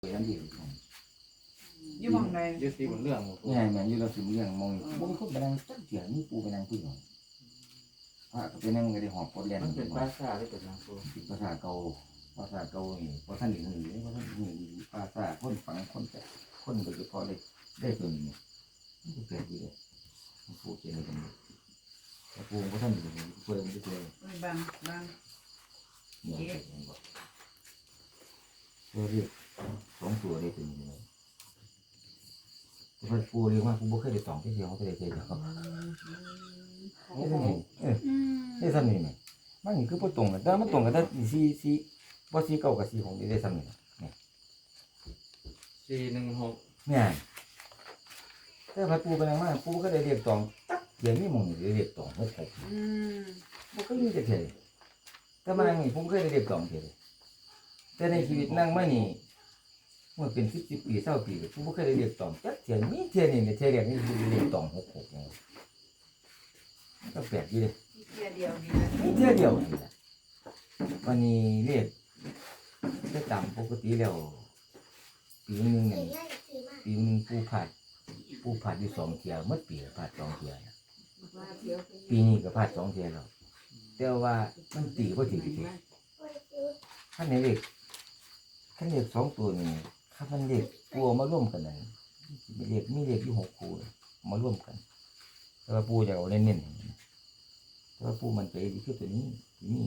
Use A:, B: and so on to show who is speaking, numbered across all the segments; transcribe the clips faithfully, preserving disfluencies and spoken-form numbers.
A: นั่นดี
B: อยู่หม้องใด
C: ยึดตีบนเรื่อง
A: เนี่ยแม่นอยู่เราสิเรื่องมองบ่มีคนไปนั่งจักเถียงมีปูไปนั่งผู้หญิงพระก็ไปนั่งก็ได้หอบกดแล่น
C: มันเป็นภาษาหรือเป็นนางโซ่
A: เป็นภาษาเก่าภาษาเก่านี่บ่ทันได้ฮู้บ่ทันฮู้ภาษาคนฟังคนแต่คนโดยเฉพาะเลยได้ตัวนี้มันก็แปลกดีเลยมันพูดเกี่ยวกันแต่ปูบ่ทันได้ฮู้เพิ่นบ่ได้
B: บางบาง
A: เนี่ยเราเรียกสองตัวได้ตัวนี้เลยแต่ปูเรียกว่าปูบ่เคยได้สองที่เดียวเขาก็ได้เจอเขานี่ทำนี่เออนี่ทำนี่เนี่ยมันนี่คือบ่ตรงกันแต่มันตรงกันแต่สี่สี่บ่สี่เก้ากับสี่หกนี่ได้ทำนี่เนี่ย
C: สี่หนึ่งหก
A: เนี่ยแต่พอปูไปนั่งมาปูก็ได้เรียกตองตักเดี๋ยวนี้มองนี่เรียกตองหกหก
B: อืม
A: บ่เคยมีแต่เท่แต่มานั่งนี่ผมเคยได้เรียกตองเท่แต่ในชีวิตนั่งมานี่เมื่อเป็นสิบสิบปีเศร้าปีผมบ่เคยได้เรียกตองจักเทียนมีเทียนนี่เนี่ยเทียนเรียกนี่คือเรียกตองหกหกเนี่ยมันก็แปลกอยู่เลย
B: เที่ยเดียวนี่
A: มีเทียนเดียวนี่แหละวันนี้เรียกได้ตามปกติแล้วปีนึงเนี่ยปีนึงปูผัดปูผัดอยู่สองเทียเมื่อปีผัดสองเทียปีนี้ก็ผัดสองเทียแล้วแต่ว่ามันตีบ่ถึงทีขั้นในเรียกขั้นเรียกสองตัวนี่ขั้นมันเรียกปูมาร่วมกันนั่นมีเรียกมีเรียกอยู่หกคู่มาร่วมกันแต่ว่าปูจะเอาเน้นๆแต่ว่าปูมันใจดีคือตัวนี้นี่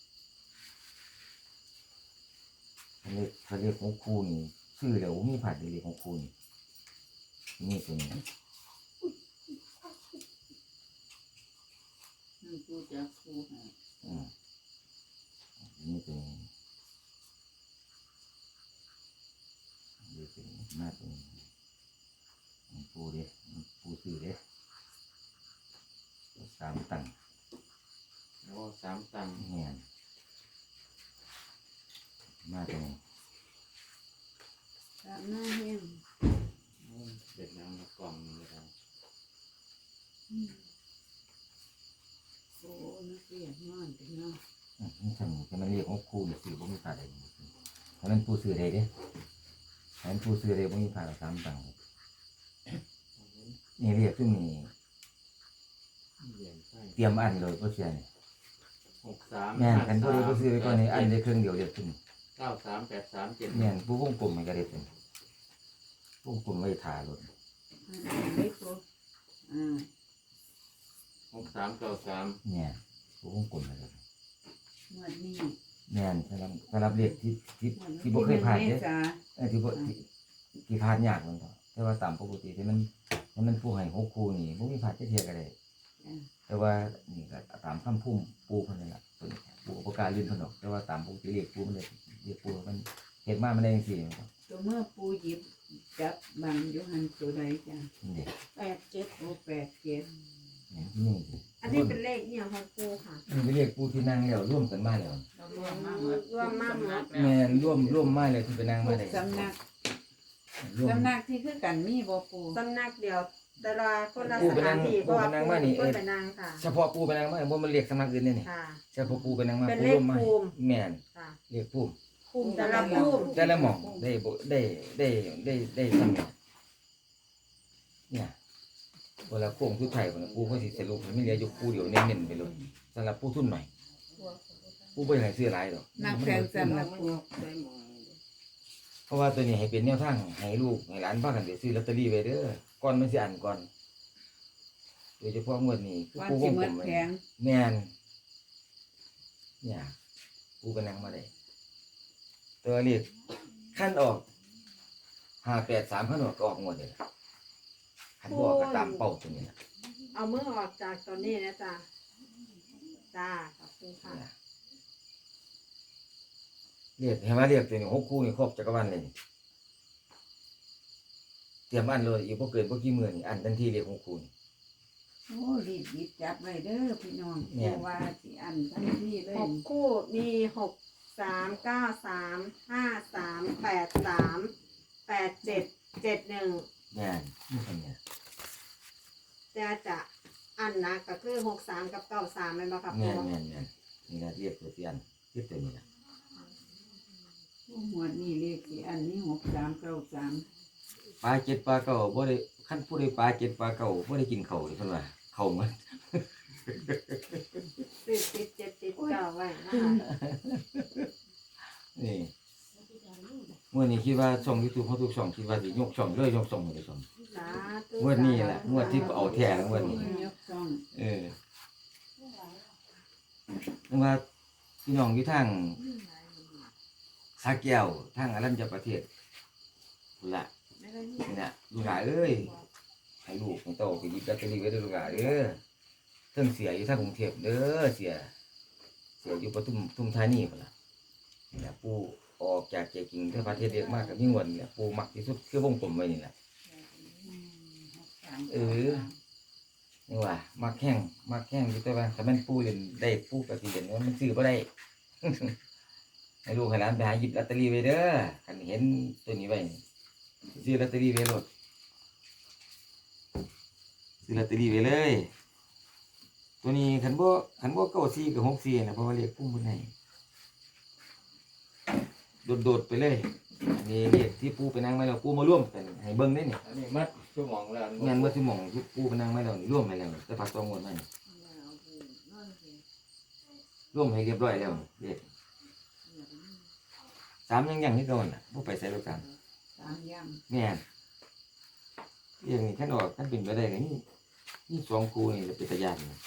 A: ขั้นเรียกขั้นเรียกหกคู่นี่ชื่อแล้วมีผัดเรียกหกคู่นี่นี่ตัวนี้
B: กูจะกูให้
A: อืมนี่ตัวนี้นี่ตัวนี้หน้าตัวนี้ปูเด้ปูซื้อเด้สามตังค์
C: โอ้สามตังค์
A: เนี่ยหน้าตัวนี้
B: ตามหน้าเฮียน
C: เด็ดน้ำมากล่องนึงเลยครับ
B: โอ้นักเรียนนอนกันเนาะ
A: อืมนี่ทำจะมาเรียกของครูเนี่ยซื้อบ่มีค่าใดเพราะนั้นปูซื้อได้เด้เพราะนั้นปูซื้อได้บ่มีค่าสามตังค์นี่เรียกซึ่งนี่
C: เหรียญไส้
A: เตรียมอันเลยบ่เสียนี่
C: หกสาม
A: แม่นกันบ่ได้บ่ซื้อไปก่อนนี่อันได้เครื่องเดียวเรียกซึ่ง
C: เก้าสามแปดสามเจ็ด
A: แม่นผู้วงกลมมันก็ได้เป็นวงกลมไว้ทารถ
B: เล็กกูอ่า
C: หกสามเก้าสาม
A: เนี่ยผู้วงกลมมันก็
B: หมวดนี้
A: แม่นสำหรับสำหรับเลขที่ที่
B: หมวด
A: ที่บ่เคยผ่าน
B: เม
A: เด้
B: ษา
A: เออที่บ่ที่ที่ผ่านยากมันก็แต่ว่าตามปกติที่มันที่มันผู้ให้หกคู่นี่บ่มีผ่านจักเที่ยก็ได้แต่ว่านี่ก็ตามคำพุ่มปูเพิ่นนั่นล่ะเพิ่นปูบ่กล้าลื่นเพิ่นดอกแต่ว่าตามปกติเลขปูมันเลยเลขปูมันเฮ็ดมามันได้จังซี่ครับ
B: ตัวเมื่อปูหยิบจับบางอยู่หันตัวใดจ้ะ
A: นี่เด้
B: แปดเจ็ดโอ้แปดเจ็ด
A: เนี่ยที่นี่
D: อันนี้เป็นเลขเนี่ยของปูค่ะ
A: มันเป็นเลขปูที่นั่งแล้วร่วมกันมาแล้ว
B: เรารวมมาหมด
D: รวมมาหมด
A: แม่นร่วมร่วมมาเลยที่ไปนั่ง
B: ทุ
A: มาก ได้
B: สำนัก
A: ร่วม
B: สำนักที่คือกันมีบ่ปู
D: สำนักเดียว แต่ละคนละ
A: ปู
D: ส
A: ไปนั่
D: ถางนที่เพ
A: ปู
D: ราะ
A: ไป
D: ว่า
A: นั่ง
D: ปู
A: มานี่เอ
D: เพิ่
A: อน
D: ไปนั่งค่ะ
A: เฉพาะปูไปนั่งมาบ่มันเรียกสำนักอื่นนี่นี่
D: ค่ะ
A: เฉพาะปูไปนั่งมา
D: เป็น
A: ปู
D: เลข
A: ร่วมมา
D: ภูมิ
A: แม่น
D: ค่ะ
A: เรียกปู
D: ภูมิแต่ละภูมิ
A: แต่ละหม่องได้บ่ได้ได้ได้ได้สำนักเนี่ยเวลาโค้งสุดท้ายพุ่นน่ะปูเขาสิสรุปให้มันเหลืออยู่ปูเดียวเน้นๆไปเลยสำหรับปูทุนหน่อยปูบ่ให้ซื้อหลายดอก
B: นักแพงสำนักปู
A: เพราะว่าตัวนี้ให้เป็นแนวทางให้ลูกให้หลานพากันไปซื้อลอตเตอรี่ไว้เด้อก่อนมันสิอันก่อนโดยเฉพาะงวดนี้คือ
B: วัน
A: ปูว
B: สิ
A: ง
B: หม
A: กล
B: ด
A: มไว้
B: แพง
A: แม่นเนี่ยปูไปนั่งมาได้ตัวเลขขั้นออกห้าแปดสามขั้นออกก็ออกงวดเลยล่ะขั้นบออกก็ตามเป้าตัวนี้นะ
D: เอามือออกจากตอนนี้นะจ๊ะจ้าขอบคุณค่ะ
A: เนี่ยเรียกเห็นไหมเรียกตัวนี้หกคู่นี่ครบจักรวาลเลยนี่เตรียมอันเลยอีกพวกเกินพวกกี่หมื่นนี่อันทันทีเรียกหกคู่นี่
B: โอ้รีบหยิบจับไว้เด้อพี่น้อง
A: แม่
B: เพราะว่าสิอันทันทีเลย
D: หกคู่มีหกสามเก้าสามห้าสามแปดสามแปดเจ็ดเจ็ดหนึ่ง
A: แม่นนี่เป็นไง
D: จะจะอันนะก็คือหกสามกับเก้าสามเป็นบ่ครับ
A: แม่
D: ปู
A: นแม่นแม่นนี่นะเรียกตัวเตียนเรียกตัวนี้นะ
B: หัวดนี่เลขที่อันนี้หกสามเก้าสาม
A: ปลาเจ็ดปลาเก่าบ่ได้ขั้นผู้ใดปลาเจ็ดปลาเก่าบ่ได้กินเข่าวเลยเพิ่นว่าเข่าวมัน
D: ซื้อติดเจ็ดติดเก้าไว้นะคะ
A: นี่เมื่อนี้คิดว่าช่องยูทูบเขาทุกช่องคิดว่าสิยกช่องเลยยกช่องเลยช่อง
D: สาธุ
A: งวดนี้แหละงวดที่เอาแท้งวดนี้
B: ยกช่อง
A: เออนึกว่าพี่น้องอยู่ทางสาแก้วทางอรัญญประเทศพุ่นละนี่น่ะลูกหลานเอ้ยให้ลูกของโตไปหยิบลอตเตอรี่ไว้เด้อลูกหลานเด้อเทิงเสียอยู่ทางกรุงเทพเด้อเสียเสียอยู่ปทุมปทุมธานีพุ่นล่ะนี่แหละปู่ออกจากใจจริงที่ประเทศเรียกมากกับมีงวดนี่แหละปู่มักที่สุดคือวงกลมไว้นี่แหละ เออ นี่ว่ามักแห้งมักแห้งอยู่แต่ว่าถ้ามันปู่เล่นได้ปู่ก็สิเล่นว่ามันซื้อบ่ได้ ให้ลูกให้หลานไปหาหยิบลอตเตอรี่ไว้เด้อคันเห็นตัวนี้ไว้นี่ซื้อลอตเตอรี่ไว้โลดซื้อลอตเตอรี่ไว้เลย ตัวนี้คันบ่คันบ่เก้าสี่กับหกสี่นะเพราะว่าเลขพุ่มบนไหนโดดๆไปเลยอันนี้เลขที่ปู่ไปนั่งไว้แล้วปู่มาร่วมกันให้เบิ่งได้นี่
C: อันนี้มัดชั่วโมงแล้ว
A: งานเมื่อที่หม่องที่ปู่ไปนั่งไว้แล้วนี่ร่วมไปแล้วนี่แต่พักตองงวดมานี่ร่วมให้เรียบร้อยแล้วนี่เลขสามยังยังที่โดนน่ะบ่ไปใส่รถสาม
B: สามย่
A: แม่นเรื่องนี้ท่านออกท่านเป็นไปได้ก็นี่นี่สองครูนี่จะเป็นตะยานนะ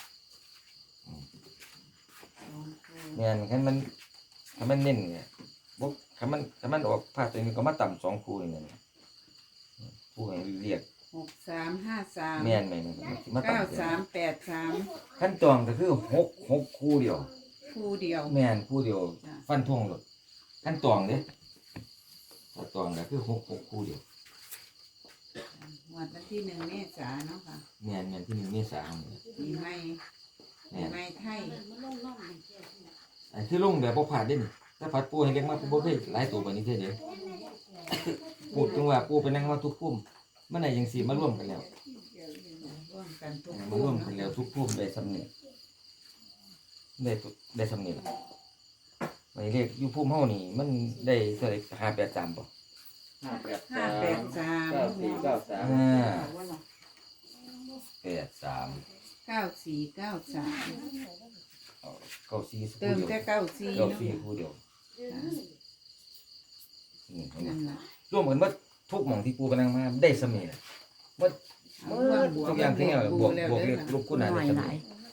B: ำสองคู่
A: แม่นคันมันคันมันเน้นเนี่ยบ่คันมันคันมันออกภาคตัวนี้ก็มาต่ำสองครูนี่นะผู้ให้เรียก
B: หกสามห้าสาม
A: แม่นแม่นมันสิมา
B: เก้า
A: ต่ำ
B: สามแปดสาม
A: ขั้นตอนก็คือหกหกครูเดียว
B: คู่เดียว
A: แม่นครูเดียว
B: จ้ะ
A: ฟันธงเลยขั้นตอนเด้ขั้นตอนก็คือหกหกครูเดียว
B: วันที่หนึ่งเมษายนเนาะค่ะ
A: แม่นแม่นที่หนึ่งเมษายนเนี่ย
B: ปีใหม่ปี
A: แม่น
B: ใหม่ไทย
A: อันที่ลงแบบบ่ผ่านเด่นถ้าผัดปูให้เลี้ยงมาปูบ่เคยหลายตัวแบบนี้เท่าเดียวพูดถึงว่าปูไปนั่งมาทุกพุ่มมันไหนยังสีมาร่วมกันแล้ว
B: ร่วมกันทุก
A: มา
B: คู่
A: ร่วมกันแล้วทุกพุ่มได้สำเนียงได้ทุกได้สำเนียงไว้เลขอยู่พุ่มเฮานี่ มันได้เท่าไหร่ห้าแปดสามบ่
C: ห้าแปด
B: ห้า
C: สาม
B: แปดสาม
C: เก้าสี่เก้าสาม
A: ห้าแปดสาม
B: เก้าสี่เก้าสาม
A: เอาเก้าสี่สัก
B: เติ
A: คู่
B: ม
A: เดียว
B: แต่เก้าสี่
A: เก้า
B: เนาะ
A: สี่คู่เดียว
B: ค่ะ
A: นี่เห็นไหม
B: นั่นล่ะ
A: ร่วมกันว่าทุกหม่องที่ปูไปนั่งมาได้สำเนียงว่า
B: เอาร่วมบวก
A: ทุกอย่างที่เนี่ยบวกบวกเลขลูกคู่หนาได้สำเนียง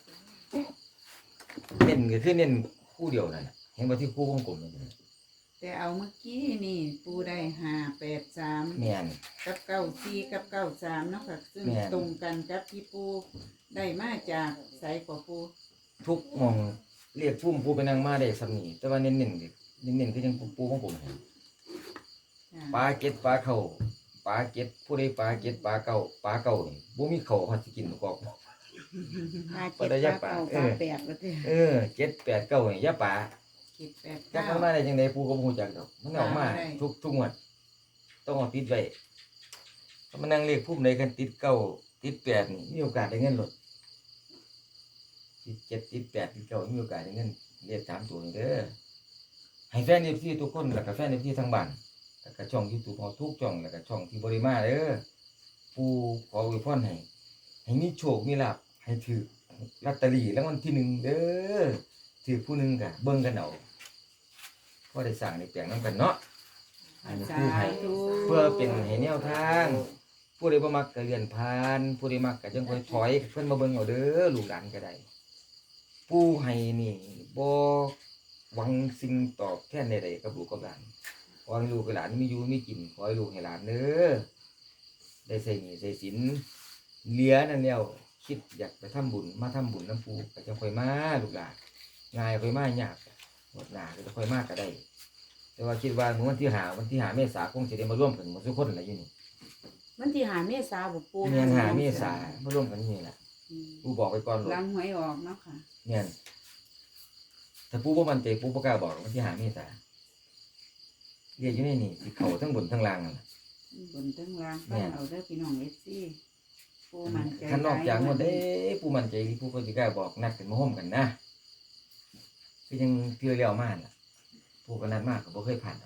A: เน้นก็คือเน้นคู่เดียวนั่นน่ะเห็นว่าที่คู่วงกลมนั่นน่ะ
B: แต่เอาเมื่อกี้นี่ปูได้ห้าแปดสาม
A: แม่น
B: กับเก้าสี่กับเก้าสามเนาะค่ะซึ่ง
A: แม่น
B: ตรงกันกับที่ปูได้มาจากใสกว่าปู
A: ทุกหม่องเรียกพุ่มปูไปนั่งมาได้สำเนียงแต่ว่าเน้นๆก็เน้นๆคือยังปูวงกลมให้
B: จ้ะ
A: ปลาเก็ดปลาเข่าปลาเก็ดผู้ใดปลาเก็ดปลาเก่าปลาเก่านี่บ่มีเข่าเขาสิกินกอก
B: ห้า
A: ปลา
B: เจ็ด
A: ได้
B: ป
A: ยั
B: ลาก
A: ปลา
B: เก้า
A: เออ
B: ปลาแปดแล้วเด้อ
A: เออเจ็ดแปดเก้านี่อย่าปลา
B: เจ็ดแปด
A: จัก
B: เก้า
A: มันมาได้จังไดปูก็บ่ฮู้จักดอกมันออกมา
B: ปลาได้
A: ทุกทุกงวดต้องเอาติดไว้ถ้ามันนั่งเรียกพุ่มใดกันติดเก้าติดแปดนี่มีโอกาสได้เงินหลดติดเจ็ดติดแปดติดเก้ามีโอกาสได้เงินเรียกสามตัวนี่เด้อให้แฟน เอฟ ซี ทุกคนแล้วก็แฟน เอฟ ซี ทั้งบ้านแล้วก็ช่อง YouTube เฮาทุกช่องแล้วก็ช่องที่บ่ได้มาเด้อปูขออวยพรให้ให้มีโชคมีลาภให้ถือลอตเตอรี่รางวัลที่หนึ่งเด้อถือผู้หนึงก็เบิ่งกันเอาพอได้สร้างได้แปลงนํกันเนาะอันนี้
B: สา
A: คือให้
B: ธุ
A: เพื่อเป็นให้แนวทาง ผู้ใดบ่มักก็เลื่อนผ่านผู้ใดมักก็จังค่อยถอยเพิ่นมาเบิ่งเอาเด้อลูกหลานก็ได้ผู้ให้นี่บ่หวังสิ่งตอบแทนใดๆกับลูกกับหลานขอให้ลูกกับหลานมีอยู่มีกินขอให้ลูกให้หลานเด้อได้ใส่หนี้ใส่สินเหลือนั่นแล้วคิดอยากไปทำบุญมาทำบุญน้ำปูก็จังค่อยมาลูกหลานง่ายค่อยมายากหมดหน้าก็จะค่อยมาก็ได้ แต่ว่าคิดว่าวันที่หาวันที่หาเมษาคงจะได้มาร่วมกันหมดทุกคนแหละอยู่นี่
D: มันที่หาเมษาบ่ปู
A: เมียนหาเมษามาร่วมกันนี่แหละ
B: อืม
A: ปูบอกไปก่อนหรอก
B: หลังหวยออกเนาะค่ะ
A: เมียนถ้าปูบ่มันใจปูบ่กล้าบอกวันที่หาเมษาเรียกอยู่ในนี่สิเขาทั้งบนทั้งล่างนั่นล่ะ
B: บนทั้งล่าง
A: แม่
B: ฟังเอาเด้อพี่น้องเอฟซีปูมันใจ
A: คันนอกจาก
B: หล
A: หม
B: ย
A: ดเด้ปูมันใจปูก็สิกล้าบอกนัดกันมาห่มกันนะคือยังเที่ยวเลี้ยวมาล่ะปูก็นัดมากก็บ่เคยผ่านหรอก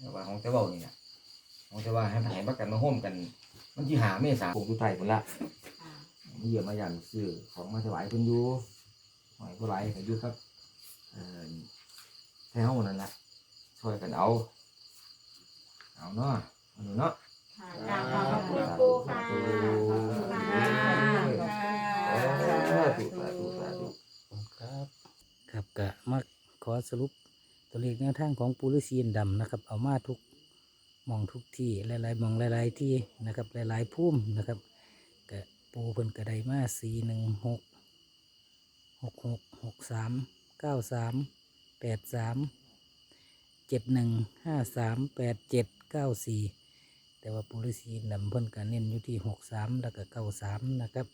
A: แต่ว่าของแต่เว้านี่น่ะของแต่ว่าให้ให้มากันมาโฮมกัน มันสิหาเมษาคงสุดท้ายพุ่นละ
B: ค่ะ
A: มาเยี่ยมมาย่างซื้อของมาถวายเพิ่นอยู่หอยผู้หลายก็อยู่ครับเอ่อแถวนั่นล่ะช่วยกันเอาเอาเนาะเอาหนูเนาะ
D: ค่ะกราบขอบพระคุณปูค่ะขอบคุณค่ะ
A: สาธุสาธุสาธุ
E: ครับครับก็มาขอสรุปตัวเลขแนวทางของปูฤาษีอินทร์ดำนะครับ เอามาทุกหมองทุกที่หลายๆหมองหลายๆที่นะครับหลายๆพุ่มนะครับก็ปูเพิ่นกระไดมาสี่หนึ่งหกหกหกหกสามเก้าสามแปดสามเจ็ดหนึ่งห้าสามแปดเจ็ดเก้าสี่แต่ว่าปูฤาษีอินทร์ดำเพิ่นก็เน้นอยู่ที่หกสามแล้วก็เก้าสามนะครับ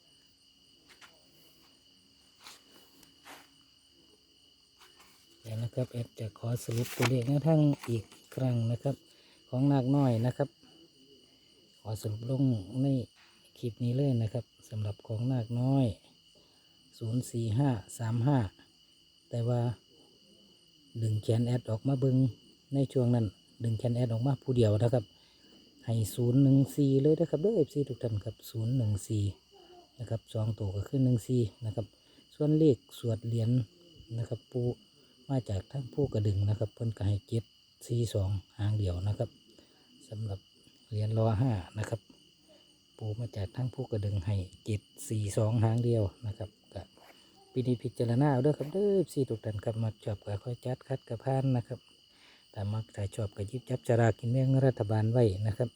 E: แล้วนะครับแอดจะขอสรุปตัวเลขแนวทางอีกครั้งนะครับ ของนาคน้อยนะครับ ขอสรุปลงในคลิปนี้เลยนะครับสำหรับของนาคน้อยศูนย์สี่ห้าสามห้าแต่ว่าดึงแขนแอดออกมาเบิงในช่วงนั้น ดึงแขนแอดออกมาผู้เดียวนะครับให้ศูนย์หนึ่งสี่เลยนะครับด้วยเอฟซีทุกท่านครับศูนย์หนึ่งสี่นะครับสองตัวก็ขึ้นหนึ่งสี่นะครับส่วนเลขสวดเหรียญนะครับปูมาจากทั้งผู้กระดึงนะครับเพิ่นก็ให้เจ็ดสี่สองหางเดียวนะครับสำหรับเหรียญรอห้านะครับปูมาจากทั้งผู้กระดึงให้เจ็ดสี่สองหางเดียวนะครับกับปีนี้พิจารณาเอาเด้อครับเด้อสี่ทุกท่านครับมาชอบก็ค่อยจัดคัดกับพานนะครับแต่มักถ่ายชอบก็หยิบจับจารากินแบ่งรัฐบาลไว้นะครับ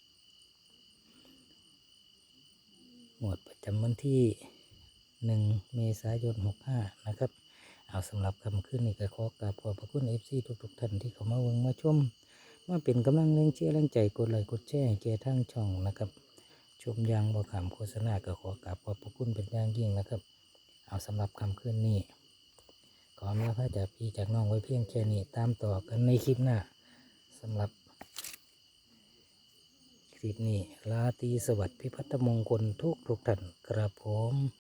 E: หมวดประจำวันที่หนึ่งเมษายนหกห้านะครับเอาสำหรับคำขึ้นนี่ก็ขอกราบขอบพระคุณเอฟซีทุกๆท่านที่เข้ามาเบิ่งมาชมมาเป็นกำลังแรงเชียร์แรงใจกดไลค์กดแชร์ให้แก่ทางช่องนะครับชมอยางบ่ขามโฆษณาก็ขอกราบขอบพระคุณเป็นอย่างยิ่งนะครับเอาสำหรับคำขึ้นนี่ขอแม่พระจากพี่จากน้องไว้เพียงแค่นี้ตามต่อกันในคลิปหน้าสำหรับคลิปนี้ราตรีสวัสดิ์พิพัฒนมงคลทุกทุกท่านครับผม